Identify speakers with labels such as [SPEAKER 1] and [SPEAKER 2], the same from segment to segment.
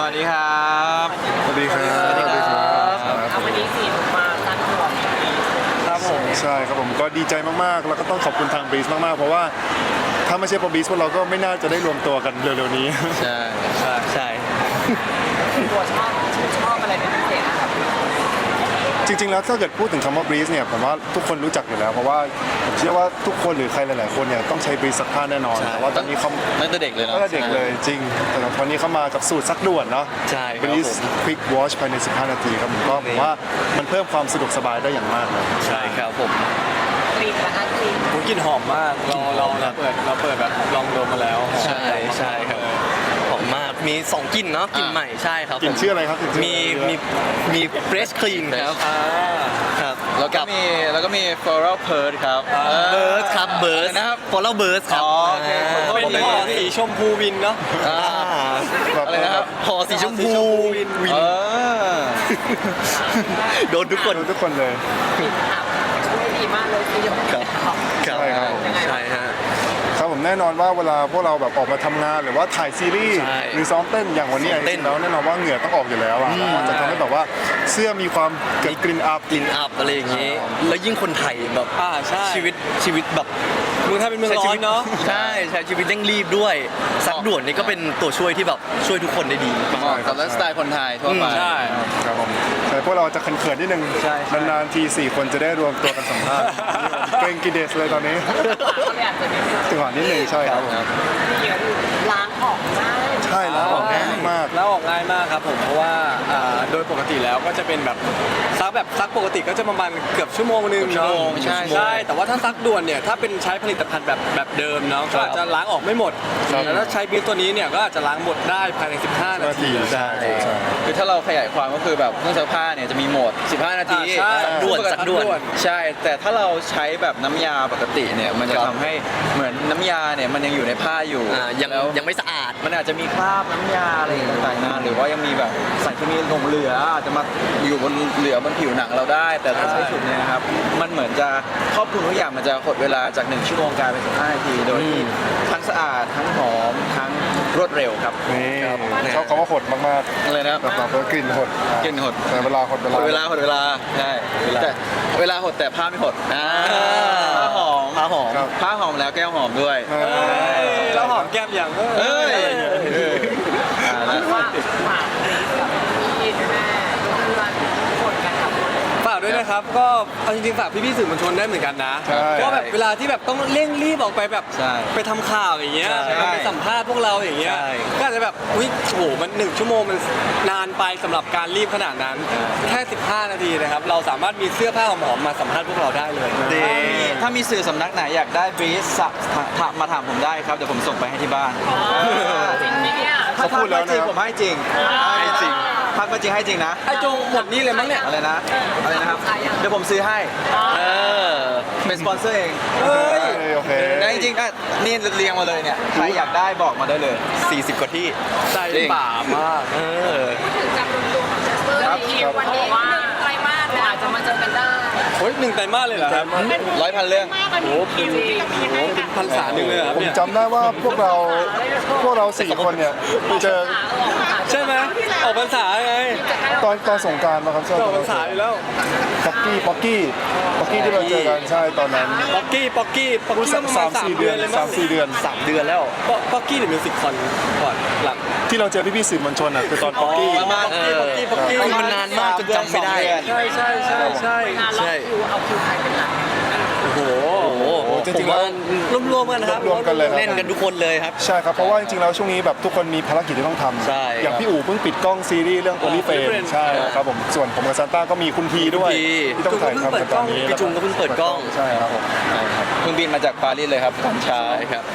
[SPEAKER 1] วัสดีครับ
[SPEAKER 2] สวัสดีครับสวัสดีครับ
[SPEAKER 3] วันนี้สีมาตั้งหัว
[SPEAKER 1] ครับผม
[SPEAKER 2] ใช่ครับผมก็ดีใจมากๆแล้วก็ต้องขอบคุณทางบีสมากๆเพราะว่าถ้าไม่ใช่เพราะบีสพวกเราก็ไม่น่าจะได้รวมตัวกันเร็วๆนี้
[SPEAKER 1] ใช่
[SPEAKER 3] ตัวชอบอะไรเป็นพิเศษนะครับ
[SPEAKER 2] จริงๆแล้วถ้าเกิดพูดถึงคำว่า breeze เนี่ยผมว่าทุกคนรู้จักอยู่แล้วเพราะว่าผมเชื่อว่าทุกคนหรือใครหลายๆคนเนี่ยต้องใช้ breeze ซักผ้าแน่นอนแต่ว่าตอนนี้เขา
[SPEAKER 1] ตั้งแต่เด็กเลยเนาะ
[SPEAKER 2] ตั้งแต่เด็กเลยจริงแต่ตอนนี้เขามากับสูตรซักด่วนเนาะ
[SPEAKER 1] ใช่
[SPEAKER 2] breeze quick wash ภายใน15 นาทีครับผมก็ผมว่ามันเพิ่มความสะดวกสบายได้อย่างมากเลย
[SPEAKER 1] ใช่ครับผม
[SPEAKER 3] กลิ่นนะคะกลิ่น
[SPEAKER 4] กลิ่นหอมมากเราเปิดแบบลองดมมาแล้ว
[SPEAKER 1] ใช่ครับหอมมากมี2กลิ่นเนาะกลิ่นใหม่ใช่ครับ
[SPEAKER 2] กลิ่นชื่ออะไรครับ
[SPEAKER 1] มี fresh clean ครับครับแล้วก็มี floral purge ครับbirds ครับ birds นะครับ floral birds ครับ
[SPEAKER 4] เป็นหอสีชมพูวินเนาะ
[SPEAKER 1] อะไรนะครับหอสีชมพูวินโดนทุกคน
[SPEAKER 2] เลย
[SPEAKER 3] ช่วยดีมากเลยประโยชน์
[SPEAKER 2] ใช่ครับ
[SPEAKER 1] ใช่ฮะ
[SPEAKER 2] ครับผมแน่นอนว่าเวลาพวกเราแบบออกมาทำงานหรือว่าถ่ายซีรีส์หรือซ้อมเต้นอย่างวันนี้จริงๆแล้วแน่นอนว่าเหงื่อต้องออกอยู่แล้วอ่ะมันจะทำให้แบบว่าเสื้อมีความเกิดกลิ่นอับ
[SPEAKER 1] อะไรอย่างงี้แล้วยิ่งคนไทยแบบชีวิตแบบ
[SPEAKER 4] เมืองไทยเป็นเมืองร้อนเนาะ
[SPEAKER 1] ใช่ชีวิตเร่งรีบด้วยซักด่วนนี่ก็เป็นตัวช่วยที่แบบช่วยทุกคนได้ดีกับไลฟ์สไตล์คนไทยทั่วไป
[SPEAKER 4] ใช่
[SPEAKER 2] ครับผมแต่พวกเราจะเขินๆนิดนึงนานๆที4คนจะได้รวมตัวกันสัมภาษณ์เกรงกิเดสเลยตอนนี้จังหวะนิดนึงใช่ครับ
[SPEAKER 3] ล้างออกง่าย
[SPEAKER 2] ใช่ล้างออกง่ายมาก
[SPEAKER 4] แล้วออกง่ายมากครับผมเพราะว่าโดยปกติแล้วก็จะเป็นแบบซักปกติก็จะประมาณเกือบชั่วโมงนึงเนาะใช่แต่ว่าถ้าซักด่วนเนี่ยถ้าเป็นใช้ผลิตภัณฑ์แบบเดิมเนาะก็จะล้างออกไม่หมดแต่ถ้าใช้บีตัวนี้เนี่ยก็อาจจะล้างหมดได้ภายใน15 นาที
[SPEAKER 2] ใช่
[SPEAKER 1] คือถ้าเราขยายความก็คือแบบเครื่องซักผ้าเนี่ยจะมีโหมด15 นาทีซักด่วนใช่แต่ถ้าเราใช้แบบน้ำยาปกติเนี่ยมันจะทำให้เหมือนน้ำยาเนี่ยมันยังอยู่ในผ้าอยู่ยังไม่สะอาดมันอาจจะมีคราบน้ำยาอะไรต่างๆหรือว่ายังมีแบบสารเคมีหลงเหลืออาจจะมาอยู่บนผิวหนังเราได้แต่ถ้าใช้สูตรเนี่ยนะครับมันเหมือนจะครอบคลุมทุกอย่างมันจะหดเวลาจาก1ชั่วโมงกลายเป็น15 นาทีโดยที่ทั้งสะอาดทั้งหอมทั้งรวดเร็วครับ
[SPEAKER 2] นี่ชอบคำว่าหดมากๆ
[SPEAKER 1] อะไรนะ
[SPEAKER 2] แบบกลิ่นหดแต่เวลาหด
[SPEAKER 1] เวลาใช่แต่เวลาหดแต่ผ้าไม่หดผ้าหอมแล้วแก้วหอมด้วย
[SPEAKER 4] แล้วหอมแก้มอย่างฝากด้วยนะครับก็จริงๆฝากพี่ๆสื่อมวลชนได้เหมือนกันนะก็แบบเวลาที่แบบต้องเร่งรีบออกไปแบบไปทำข่าวอย่างเงี้ยไปสัมภาษณ์พวกเราอย่างเงี้ยก็อาจจะแบบอุ้ยโหมัน1ชั่วโมงมันนานไปสำหรับการรีบขนาดนั้นแค่15 นาทีนะครับเราสามารถมีเสื้อผ้าหอมๆมาสัมภาษณ์พวกเราได้เลย
[SPEAKER 1] ถ้ามีสื่อสำนักไหนอยากได้บรีฟมาถามผมได้ครับเดี๋ยวผมส่งไปให้ที่บ้าน
[SPEAKER 3] จริงเนี่ย
[SPEAKER 1] เขาพูดแล้วนะผมให้จริงพักมาจริงให้จริงนะ
[SPEAKER 4] ไอ้จงหมดนี้เลยมั้งเนี่ย
[SPEAKER 1] อะไรนะครับเดี๋ยวผมซื้อให้เป็นสปอนเซอร์เอง
[SPEAKER 2] โอเค
[SPEAKER 1] ได้จริงๆนี่เรียงมาเลยเนี่ยใครอยากได้บอกมาได้เลย40 กว่าที่
[SPEAKER 4] ใจป่ามาก
[SPEAKER 3] พูดถึงจำนวนตัวของเชสเตอร์ทีมวันนี้ว่าไตรมาสอาจจะมาเจอกันได้
[SPEAKER 4] โอ้ย1 ไตรมาสเลยเหรอครับ
[SPEAKER 1] 100,000 เรื่อง
[SPEAKER 4] โอ้คิวพันษาหนึ่งเลยครับ
[SPEAKER 2] ผมจำได้ว่าพวกเรา4 คนเนี่ยเจอ
[SPEAKER 4] ใช่ไหมออกพรรษาไง
[SPEAKER 2] ตอนสงกรานต์มาครับ
[SPEAKER 4] ออกพรรษาอยู่แล้ว
[SPEAKER 2] ป๊อกกี้ที่เราเจอกันใช่ตอนนั้น
[SPEAKER 4] ป๊อกกี้
[SPEAKER 2] 3-4 เดือน
[SPEAKER 4] แล้วป๊อกกี้เนี่ยมิวสิกคอนก่อนหลัง
[SPEAKER 2] ที่เราเจอพี่ๆสื่อมวลชนคือตอนป๊อกกี้
[SPEAKER 1] มันนานมากจนจำไม่ได้
[SPEAKER 4] ใช่
[SPEAKER 3] เอาคิวใครเป็นหลัก
[SPEAKER 4] โอ้โหจริงๆแล้วรวมกันครับ
[SPEAKER 2] รวมกันเลย
[SPEAKER 1] เล่นกันทุกคนเลยครับ
[SPEAKER 2] ใช่ครับเพราะว่าจริงๆแล้วช่วงนี้แบบทุกคนมีภารกิจที่ต้องทำอย่างพี่อู๋เพิ่งปิดกล้องซีรีส์เรื่องโอลิเฟนใช่ครับผมส่วนผมกับซานต้าก็มีคุณทีด้วยที่ต้องถ่ายทำกันตอนนี้
[SPEAKER 1] พี่จุงก็เพิ่งเปิดกล้อง
[SPEAKER 2] ใช่ครับผม
[SPEAKER 1] เพิ่งบินมาจากปารีสเลยครับตอนเช้าครับ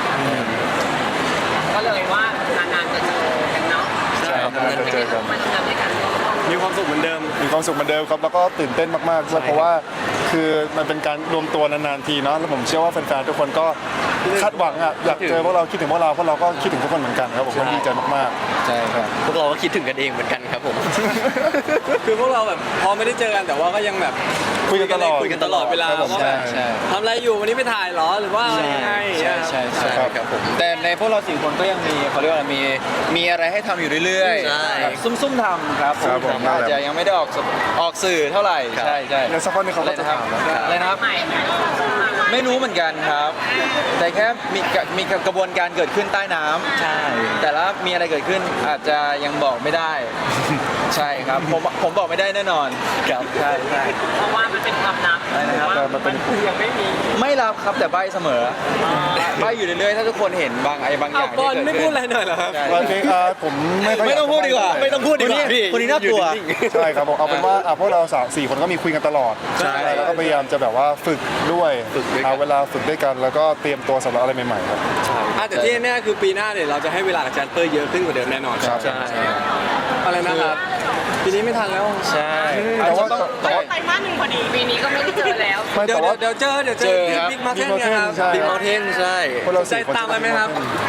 [SPEAKER 3] ก็เลยว่านานๆจะเจอกันเนาะ
[SPEAKER 2] ใช่ครับนานๆจะเจอกัน
[SPEAKER 3] มาทำงานด้วยกัน
[SPEAKER 4] มีความสุขเหมือนเดิม
[SPEAKER 2] ครับแล้วก็ตื่นเต้นมากๆด้วยเพราะว่าคือมันเป็นการรวมตัวนานๆทีเนาะแล้วผมเชื่อว่าแฟนๆทุกคนก็คาดหวังอยากเจอพวกเราคิดถึงพวกเราก็คิดถึงทุกคนเหมือนกันครับผมดีใจมาก
[SPEAKER 1] ใช่ครับ
[SPEAKER 5] พวกเราก็คิดถึงกันเองเหมือนกันครับผม
[SPEAKER 4] คือพวกเราแบบพอไม่ได้เจอกันแต่ว่าก็ยังแบบ
[SPEAKER 2] คุยกันตลอด
[SPEAKER 4] คุยกันตลอดเวลา
[SPEAKER 2] ครับผม
[SPEAKER 4] ว่าแบบ
[SPEAKER 1] ใช่
[SPEAKER 4] ทำอะไรอยู่วันนี้ไปถ่ายเหรอหรือว่าอะไรยังไง
[SPEAKER 1] ใช่ใช่ใช่
[SPEAKER 5] ครับผม
[SPEAKER 1] แต่ในพวกเรา4 คนก็ยังมีเขาเรียกว่าอะไรมีอะไรให้ทำอยู่เรื่อย
[SPEAKER 5] ใช่
[SPEAKER 1] แบบซุ่มๆทำครับ
[SPEAKER 2] ครับผม
[SPEAKER 1] อาจจะยังไม่ได้ออกสื่อเท่าไหร่
[SPEAKER 5] ครับ
[SPEAKER 1] ใช่ใช่
[SPEAKER 2] แล้วสักพักหนึงเขาก็จะถามแล้ว
[SPEAKER 1] อะไรนะครับ
[SPEAKER 3] ใหม่ไหม
[SPEAKER 1] ไม่รู้เหมือนกันครับ แต่แค่มีกระบวนการเกิดขึ้นใต้น้ำ
[SPEAKER 5] ใช่
[SPEAKER 1] แต่ละมีอะไรเกิดขึ้นอาจจะยังบอกไม่ได้ ใช่ครับผมบอกไม่ได้แน่นอน
[SPEAKER 5] ครับ
[SPEAKER 1] ใช่ใช่
[SPEAKER 3] เพราะว่ามันเป็นความลับ
[SPEAKER 1] อะไรนะครับ
[SPEAKER 2] แต่มันเป็น
[SPEAKER 3] ยังไม่มี
[SPEAKER 1] ไม่รับครับแต่ใบเสมอใบอยู่เรื่อยๆถ้าทุกคนเห็นบางอ
[SPEAKER 4] เอา
[SPEAKER 1] ย่าง
[SPEAKER 4] บอล
[SPEAKER 1] ที่
[SPEAKER 4] ไม่
[SPEAKER 1] เกิด
[SPEAKER 4] พู
[SPEAKER 1] ขึ้
[SPEAKER 4] ดอะไรหน่อยเหรอครับ
[SPEAKER 1] ใช่
[SPEAKER 2] วันนี้ผมไม่ค่อย
[SPEAKER 1] ไม่ต้องพูดดีกว่า
[SPEAKER 5] ไม่ต้องพูดดีกว่าพี่
[SPEAKER 1] คนนี้น่ากลัว
[SPEAKER 5] อยู่นิ่งๆ
[SPEAKER 2] ใช่ครับผมเอาเป็นว่าพวกเรา4 คนก็มีคุยกันตลอด
[SPEAKER 1] ใช่
[SPEAKER 2] แล้วก็พยายามจะแบบว่าฝึกด้วย
[SPEAKER 5] ฝึกด้วยกัน
[SPEAKER 2] หาเวลาฝึกด้วยกันแล้วก็เตรียมตัวสำหรับอะไรใหม่ๆครับ
[SPEAKER 4] แต่ที่แน่ๆคือปีหน้าเนี่ยเราจะให้เวลากับแจนเปอร์เยอะขึ้นกว่าเดิมแน่นอน
[SPEAKER 2] ครับ
[SPEAKER 5] ใช่
[SPEAKER 4] อะไรนะครับปีนี้ไม่ทันแล้ว
[SPEAKER 1] ใช่
[SPEAKER 2] แต่ว่า
[SPEAKER 1] แต่ว่า
[SPEAKER 3] ไตรมาส 1พอดีปีนี้ก็ไม่ได้เจอแล้ว
[SPEAKER 2] ไม่
[SPEAKER 4] เดี๋ยว
[SPEAKER 2] แต่ว่า
[SPEAKER 4] เดี๋ยวเจอ
[SPEAKER 1] เจอครับ
[SPEAKER 4] บิ๊กมาเทน
[SPEAKER 2] Big
[SPEAKER 4] นะครับ
[SPEAKER 2] Mountain ใช่
[SPEAKER 5] บิ๊กเมลเทนใช่
[SPEAKER 2] พวกเรา
[SPEAKER 4] ใจ
[SPEAKER 2] 4 คน
[SPEAKER 4] ตามไปไหมครับ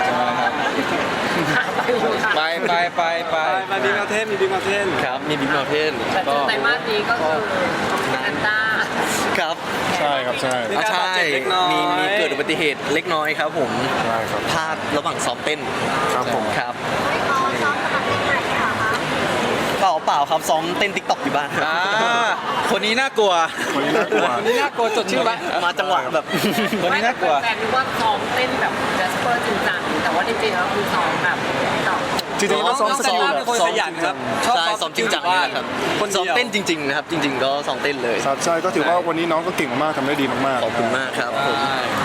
[SPEAKER 1] ไปไปไปไป
[SPEAKER 4] ไปบิ๊กมาเทนมีบิ๊กมาเทน
[SPEAKER 5] ครับมีบิ๊กเมลเทน
[SPEAKER 3] แต่เจอไตรมาสนี้ก็คือแอนต้า
[SPEAKER 5] ครับ
[SPEAKER 2] ใช่ครับใช่
[SPEAKER 4] มี
[SPEAKER 5] อ่ะ
[SPEAKER 4] การ
[SPEAKER 5] ใช่
[SPEAKER 4] บาดเจ็บเล็กน้อย
[SPEAKER 5] มีเกิดอุบัติเหตุเล็กน้อยครับผม
[SPEAKER 2] ใช่ครับ
[SPEAKER 5] พลาดระหว่างซ้อมเต้น
[SPEAKER 2] ครับผม
[SPEAKER 5] ครับเปล่าครับซ้อมเต้นติ๊กต็อกอยู่บ้าน
[SPEAKER 1] อ่าคนนี้น่ากลัว
[SPEAKER 2] คนนี้น่ากลัว
[SPEAKER 4] วันนี้น่ากลัวจดชื่อปะ
[SPEAKER 5] มาจังหวะแบบ
[SPEAKER 1] คนนี้น่ากลัว
[SPEAKER 3] แฟนๆนึกว่าซ้อมเต้นแบบแจสเปอร์จริงจังแต่ว่าจริงๆแล้วคือซ้อมแบบต่อ
[SPEAKER 2] จริงๆแล้วซ้อมสกิล
[SPEAKER 4] น้อง
[SPEAKER 2] แบ
[SPEAKER 4] เป็
[SPEAKER 2] บ
[SPEAKER 4] นคนขยันครับชอบ
[SPEAKER 5] ใช่
[SPEAKER 4] ซ้
[SPEAKER 5] ซ้
[SPEAKER 4] อ
[SPEAKER 5] อ
[SPEAKER 4] ม
[SPEAKER 5] มจริงจังนี่แหละครับ
[SPEAKER 4] คน
[SPEAKER 5] ซ้อม
[SPEAKER 4] เดียว
[SPEAKER 5] เต้นจริงๆนะครับจริง ๆ ก็ซ้อมเต้นเลย
[SPEAKER 2] ครับใช่ก็ถือว่าวันนี้น้องก็เก่งมากๆทำได้ดีมากๆ
[SPEAKER 5] ขอบคุณมากครับผม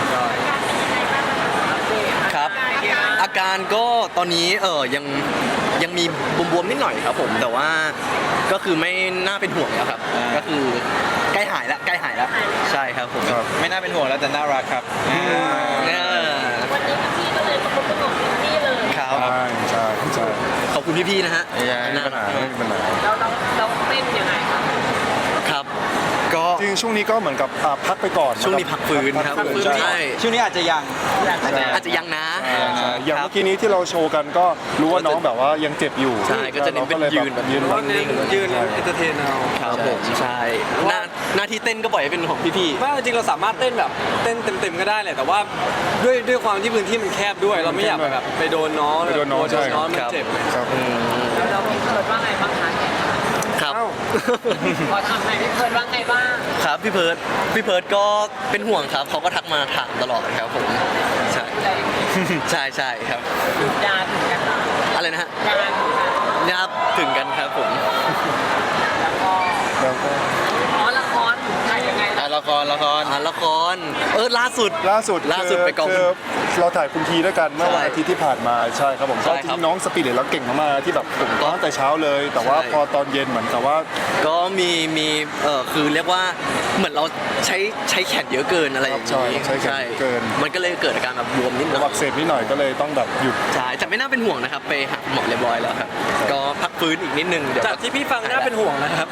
[SPEAKER 5] ครับ อาการก็ตอนนี้ยังมีบวมๆนิดหน่อยครับผมแต่ว่าก็คือไม่น่าเป็นห่วงแล้วครับ ก็คือใกล้หายแล้วใช่ครับผม
[SPEAKER 2] ครับ
[SPEAKER 1] ไม่น่าเป็นห่วงแล้วแต่น่ารักครับ
[SPEAKER 5] เนี่ย
[SPEAKER 3] วันนี้พี่ก็เลยประกบพี่เลย
[SPEAKER 5] ครับ
[SPEAKER 2] ใช่ใช่ใช่
[SPEAKER 5] ขอบคุณพี่ๆนะฮะ
[SPEAKER 1] ใช่
[SPEAKER 2] ไม่มีปัญหาไม่มีปัญหา
[SPEAKER 3] แล้วเต้นยังไงครับ
[SPEAKER 5] ครับก็
[SPEAKER 2] จริงๆช่วงนี้ก็เหมือนกับพักไปก่อน
[SPEAKER 5] ช่วงนี้พักฟื้นครับ
[SPEAKER 2] พักฟื้น
[SPEAKER 5] ใช่
[SPEAKER 1] ช่วงนี้อาจจะยัง
[SPEAKER 5] อาจจะยังนะ
[SPEAKER 2] ใช่อย่างเมื่อกี้นี้ที่เราโชว์กันก็รู้ว่าน้องแบบว่ายังเจ็บอยู่
[SPEAKER 5] ใช่ก็จะเน้นเป็นยืนแบบ
[SPEAKER 2] ยืน
[SPEAKER 4] เพราะเน้นยืนเอนเตอร์เทนเอา
[SPEAKER 5] ครับผมใช่หน้าที่เต้นก็ปล่อยให้เป็นของพี่
[SPEAKER 4] ว่าจริงๆเราสามารถเต้นแบบเต้นเต็มๆก็ได้แหละแต่ว่าด้วยความที่พื้นที่มันแคบด้วย เราไม่อยากแบบไปโดนน้อง
[SPEAKER 2] ไปโดนน้องใช่
[SPEAKER 4] น้องมันเจ็บ
[SPEAKER 2] ครับ
[SPEAKER 3] แล้วพี่เพิร์ดว่าไงบ้างคะ
[SPEAKER 5] ๆครับ
[SPEAKER 3] พอทำไหนพี่เพิร์ดว่าไงบ้าง
[SPEAKER 5] ครับพี่เพิร์ดก็เป็นห่วงครับเขาก็ทักมาถามตลอดครับผมใช่ใช่ครับ
[SPEAKER 3] ยาถึงกัน
[SPEAKER 5] อะไรนะฮะ
[SPEAKER 3] ยาถึงกัน
[SPEAKER 5] ยาบถึงกันครับผม
[SPEAKER 3] แล้วก็
[SPEAKER 2] แล้วก็
[SPEAKER 3] อ๋อละครถ่ายยังไง
[SPEAKER 1] อ่ะละคร
[SPEAKER 5] ละครล่าสุด
[SPEAKER 2] ล่าสุด
[SPEAKER 5] ไปกอง
[SPEAKER 2] คือเราถ่ายคุณทีด้วยกันเมื่อวัน
[SPEAKER 5] ใช่
[SPEAKER 2] อาทิตย์ที่ผ่านมาใช่ครับผม
[SPEAKER 5] ใช่
[SPEAKER 2] ก็
[SPEAKER 5] ค
[SPEAKER 2] จ
[SPEAKER 5] รับ
[SPEAKER 2] ริงๆน้องสปีดแล้วเก่งมากๆที่แบบผมตั้งแต่เช้าเลย แต่ว่า
[SPEAKER 5] ใช่
[SPEAKER 2] พอตอนเย็นเหมือนกับว่า
[SPEAKER 5] ก็มีคือเรียกว่าเหมือนเราใช้แขนเยอะเกินอะไรอย่าง
[SPEAKER 2] ใช่
[SPEAKER 5] นี้
[SPEAKER 2] ใช้แขนเยอะเกิน
[SPEAKER 5] มันก็เลยเกิดอาการแบบบวมนิดหน่
[SPEAKER 2] อั
[SPEAKER 5] อก ย
[SPEAKER 2] เสบนิดหน่อยก็เลยต้องแบบหยุด
[SPEAKER 5] ใช่แต่ไม่น่าเป็นห่วงนะครับไปหาหมอเรียบร้อยแล้วครับก็พักฟื้นอีกนิดนึงเดี๋ยว
[SPEAKER 4] จากที่พี่ฟังน่าเป็นห่วงนะครับ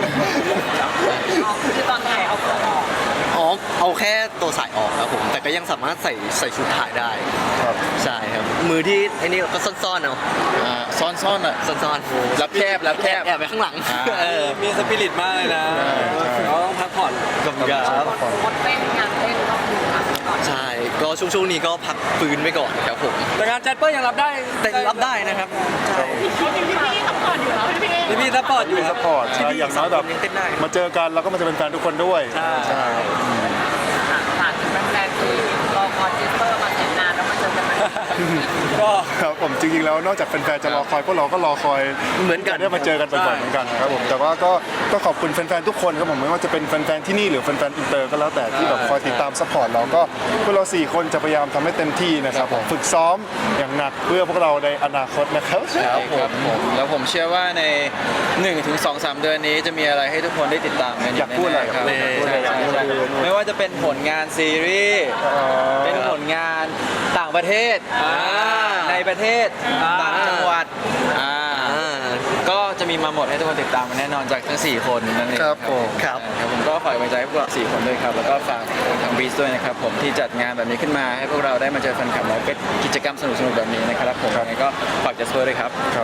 [SPEAKER 3] คือตอนถ่ายเอาตัวออก
[SPEAKER 5] อ๋อเอาแค่ตัวสายออกครับผมแต่ก็ยังสามารถใส่ชุดถ่ายได้
[SPEAKER 2] ครับ
[SPEAKER 5] ใช่ครับมือที่ไอ้นี่เราก็ซ่อนๆเอา
[SPEAKER 1] ซ่อนๆอ่ะ
[SPEAKER 5] ซ่อนๆ
[SPEAKER 1] รับแคบ
[SPEAKER 5] แอบไปข้างหลัง
[SPEAKER 4] มีสปิริตมากเลยนะเราต้องพักผ่อน
[SPEAKER 5] กับครับ
[SPEAKER 3] งดเต้นงานเต้นก็คือพักก่อน
[SPEAKER 5] ใช่ก็ช่วงนี้ก็พักฟื้นไปก่อนครับผม
[SPEAKER 4] แต่งานแจนเปอร์ยังรับได้
[SPEAKER 5] แต่รับได้นะครับใช่
[SPEAKER 3] พี่ซัพพอร์ตอยู่แล้วพี่
[SPEAKER 4] พี่ซัพพอร์ตอยู่
[SPEAKER 2] มี
[SPEAKER 4] ค
[SPEAKER 2] ส
[SPEAKER 4] รับ
[SPEAKER 2] ปอร์ตใช่อย่างน้อยแบบ
[SPEAKER 5] ยังเต้นได้
[SPEAKER 2] มาเจอกันแล้วก็มาจะเป็นแฟนทุกคนด้วย
[SPEAKER 5] ใช่
[SPEAKER 2] ใช่
[SPEAKER 3] ฝากถึงแฟนๆที่รอคอยเจสเปอร์มาแสนนานแล้วมาเจอกันไหม
[SPEAKER 4] ก็
[SPEAKER 2] ครับผมจริงๆแล้วนอกจากแฟนๆจะรอคอยพวกเราก็รอคอย
[SPEAKER 5] เหมือนกัน
[SPEAKER 2] ได้มาเจอกันบ่อยๆเหมือนกันครับผมแต่ว่าก็ขอบคุณแฟนๆทุกคนครับผมไม่ว่าจะเป็นแฟนๆที่นี่หรือแฟนๆอินเตอร์ก็แล้วแต่ที่แบบคอยติดตามซัพพอร์ตเราก็พวกเรา4คนจะพยายามทำให้เต็มที่นะครับผมฝึกซ้อมอย่างหนักเพื่อพวกเราในอนาคตนะครับ
[SPEAKER 1] ครับผมแล้วผมเชื่อว่าใน 1-2-3 เดือนนี้จะมีอะไรให้ทุกคนได้ติดตามกัน
[SPEAKER 2] อยากพูดอะไร
[SPEAKER 1] แน่ๆครับ
[SPEAKER 2] อยากพูดอะไร
[SPEAKER 1] ใช่
[SPEAKER 2] อยากพูดอะไร
[SPEAKER 1] ไม่ว่าจะเป็นผลงานซีรีส์เป็นผลงานต่างประเทศในประเทศต่างจังหวัด
[SPEAKER 5] อ่า
[SPEAKER 1] ก็จะมีมาหมดให้ทุกคนติดตามมาแน่นอนจากทั้ง 4 คนนั่นเอง
[SPEAKER 2] ครับผม
[SPEAKER 5] ครับ
[SPEAKER 1] ครับผมก็ฝากไว้ใจพวกเรา4 คนด้วยครับแล้วก็ฝากทางบีสด้วยนะครับผมที่จัดงานแบบนี้ขึ้นมาให้พวกเราได้มาเจอแฟนคลับแล้วก็กิจกรรมสนุกๆแบบนี้นะครับผมยังไงก็ฝากจัสเปอร์ด้วยครับ
[SPEAKER 2] ครับ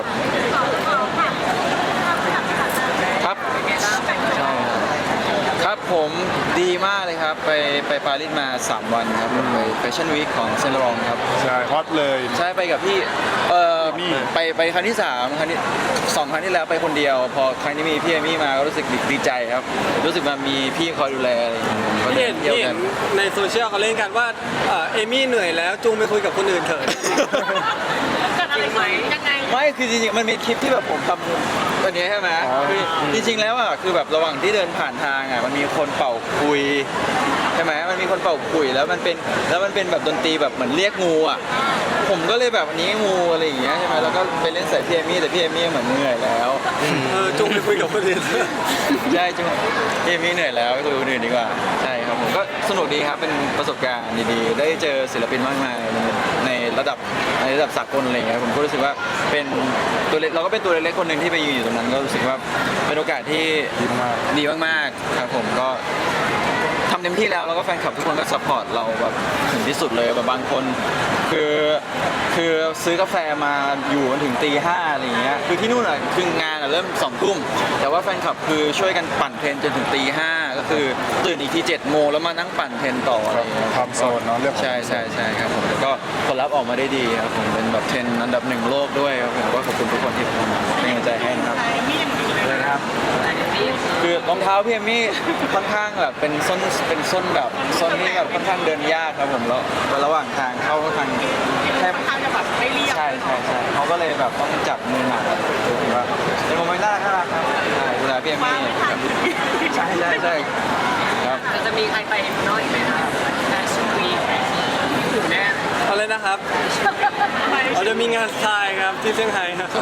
[SPEAKER 1] ครับใช่ครับผมดีมากเลยครับไปปารีสมา 3 วันครับไปแฟชั่นวีคของเซนต์ลอรองครับ
[SPEAKER 2] ใช่ฮอตเลย
[SPEAKER 1] ใช่ไปกับพี่
[SPEAKER 2] มี่
[SPEAKER 1] ไปครั้งที่3ครั้งที่2ครั้งที่แล้วไปคนเดียว พอครั้งนี้มีพี่เอมี่มาก็รู้สึกดีใจครับ รู้สึกว่ามีพี่คอยดูแลอะไรอย่างเงี้ยก็
[SPEAKER 4] ที่เห็น
[SPEAKER 1] เที่ยว
[SPEAKER 4] ที่
[SPEAKER 1] กั
[SPEAKER 4] เห็
[SPEAKER 1] น
[SPEAKER 4] นในโซเชียลเขาเล่นกันว่าเอมี่เหนื่อยแล้วจูงไปคุยกับคนอื่นเถอะ
[SPEAKER 3] เกิดอะไรขึ้นยังไง
[SPEAKER 1] ไม่คือจริงๆมันมีคลิปที่แบบผมทำวันนี้ใช่ไหมคือจริงๆแล้วอ่ะคือแบบระหว่างที่เดินผ่านทางอ่ะมันมีคนเป่าคุยใช่ไหมมันมีคนเป่าคุยแล้วมันเป็นแบบดนตรีแบบเหมือนเรียกงูอ่ะผมก็เลยแบบอันนี้งูอะไรอย่างเงี้ยใช่ไหมแล้วก็ไปเล่นใส่พี่เอมี่แต่พี่เอมี่เหมือนเหนื่อยแล้ว
[SPEAKER 4] จูงไปคุยกับคนอื่น
[SPEAKER 1] ใช่จุ๊พี่เอมี่เหนื่อยแล้วไปคุยกับคนอื่นดีกว่าใช่ครับผมก็สนุกดีครับเป็นประสบการณ์ดีๆได้เจอศิลปินมากมายในระดับสากลอะไรอย่างเงี้ยผมก็รู้สึกว่าเป็นตัวเล็กเราก็เป็นตัวเล็กๆคนหนึ่งที่ไปยืนอยู่ตรงนั้นก็รู้สึกว่าเป็นโอกาสที่ดีมากๆครับผมก็ทำเต็มที่แล้วก็แฟนคลับทุกคนก็ซัพพอร์ตเราแบบถึงที่สุดเลยแบบบางคนคือซื้อกาแฟมาอยู่จนถึงตี 5อะไรอย่างเงี้ยคือที่นู่นอ่ะคืองานอ่ะเริ่ม2 ทุ่มแต่ว่าแฟนคลับคือช่วยกันปั่นเทรนจนถึงตี 5ก็คือตื่นอีกที7 โมงแล้วมานั่งปั่นเทรนต่ออะไรอย่างเงี้ย
[SPEAKER 2] ทำโซนเนาะเรื่องของ
[SPEAKER 1] ใช่ครับผมแล้วก็ผลลัพธ์ออกมาได้ดีครับผมเป็นแบบเทรนด์อันดับ1โลกด้วยครับผมก็ขอบคุณทุกคนที่เป็นกำลังใจให้นะครับเลยนะครับคือรองเท้าพี่เอมี่ค่อนข้างแบบเป็นส้นแบบส้นที่แบบค่อนข้างเดินยากครับผมแล้วระหว่างทางเข้าทางแทบ
[SPEAKER 3] ทางจะแบบไม่เรียบ
[SPEAKER 1] ใช่เขาก็เลยแบบต้องจับมือหนักถือว่าเป็นโมเมนต์น่ารักครับใช่ดูแลพี่เอมี่ครับใช่ครับ
[SPEAKER 3] จะมีใครไปน้อยไหมคะแฟชั่นวีคอยู่แน่
[SPEAKER 4] อะไรนะครับเราจะมีงานทรายครับที่เซี่ยงไฮ้ครับ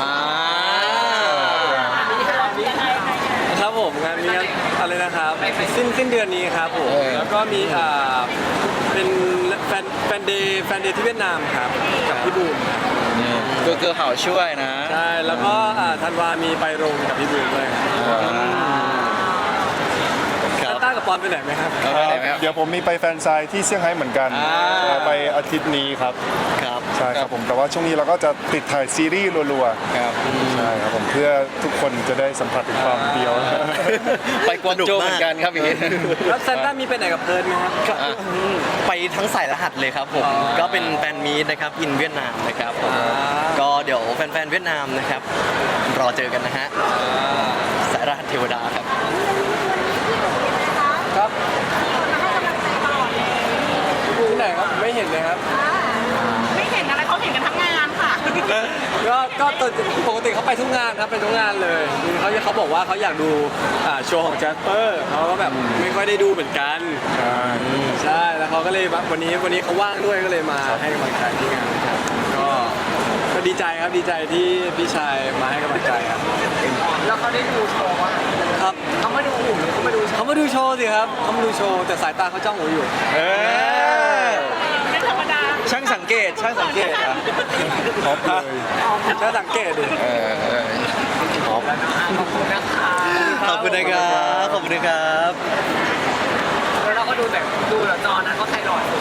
[SPEAKER 4] ครับผมงานนี้อะไรนะครับสิ้นเดือนนี้ครับผมแล้วก็มีเป็นแฟนเดย์ที่เวียดนามครับกับพี่บูมครับ
[SPEAKER 1] นี่คือเขาช่วยนะ
[SPEAKER 4] ใช่แล้วก็ธันวามีไปโรงกับพี่บูมด้วยครับต้ากับปอนไปไหนไหมครับ
[SPEAKER 2] เดี๋ยวผมมีไปแฟนไซน์ที่เซี่ยงไฮ้เหมือนกันไปอาทิตย์นี้ครับ
[SPEAKER 5] ครับ
[SPEAKER 2] ใช่ครับผมแต่ว่าช่วงนี้เราก็จะติดถ่ายซีรีส์รัว
[SPEAKER 1] ครับ
[SPEAKER 2] ๆใช่ครับผมเพื่อทุกคนจะได้สัมผัสถึงความเดียว
[SPEAKER 1] ไปกวางโจวเหมือนกันครับอย่างนี้
[SPEAKER 4] แล้วแซนต้ามีไปไหนกับเพิร์นไหมครับ
[SPEAKER 5] ไปทั้งสายรหัสเลยครับผม ก็เป็นแฟนมีตนะครับอินเวียดนามนะครับผมก็เดี๋ยวแฟนๆเวียดนามนะครับ รอเจอกันนะฮะสายรหัสเทวดาครับ
[SPEAKER 4] ครับที่ไหนครับไม่เห็นเลยครับ
[SPEAKER 3] ไม่เห็นอะไรเขาเห็นกันทั้งงานค่ะ
[SPEAKER 4] ก็ปกติเขาไปทุกงานครับไปทุกงานเลยเขาบอกว่าเขาอยากดูโชว์ของแจสเปอร์เขาก็แบบไม่ค่อยได้ดูเหมือนกันใช่แล้วเขาก็เลยวันนี้เขาว่างด้วยก็เลยมาให้กำลังใจที่งานครับก็ดีใจครับดีใจที่พี่ชายมาให้กำลังใจครับ
[SPEAKER 3] แล้วเขาได้ดูโชว์อ่ะ
[SPEAKER 4] ครับ
[SPEAKER 3] เขามาดูหุ่นหรือเขามาดู
[SPEAKER 4] เขามาดูโชว์สิครับเขามาดูโชว์แต่สายตาเขาจ้องผมอยู่
[SPEAKER 3] ไม่ธรรมดา
[SPEAKER 1] ช่างสังเกตอ่ะ
[SPEAKER 2] ท็อปเลย
[SPEAKER 4] ถ้าสังเกตดิ
[SPEAKER 3] ขอบคุณนะคะ
[SPEAKER 5] ขอบคุณนะครับ ขอบคุณนะครับ
[SPEAKER 3] แล้วเราก็ดูแบบดูเหรอจอนั้นเขาไทยหลอด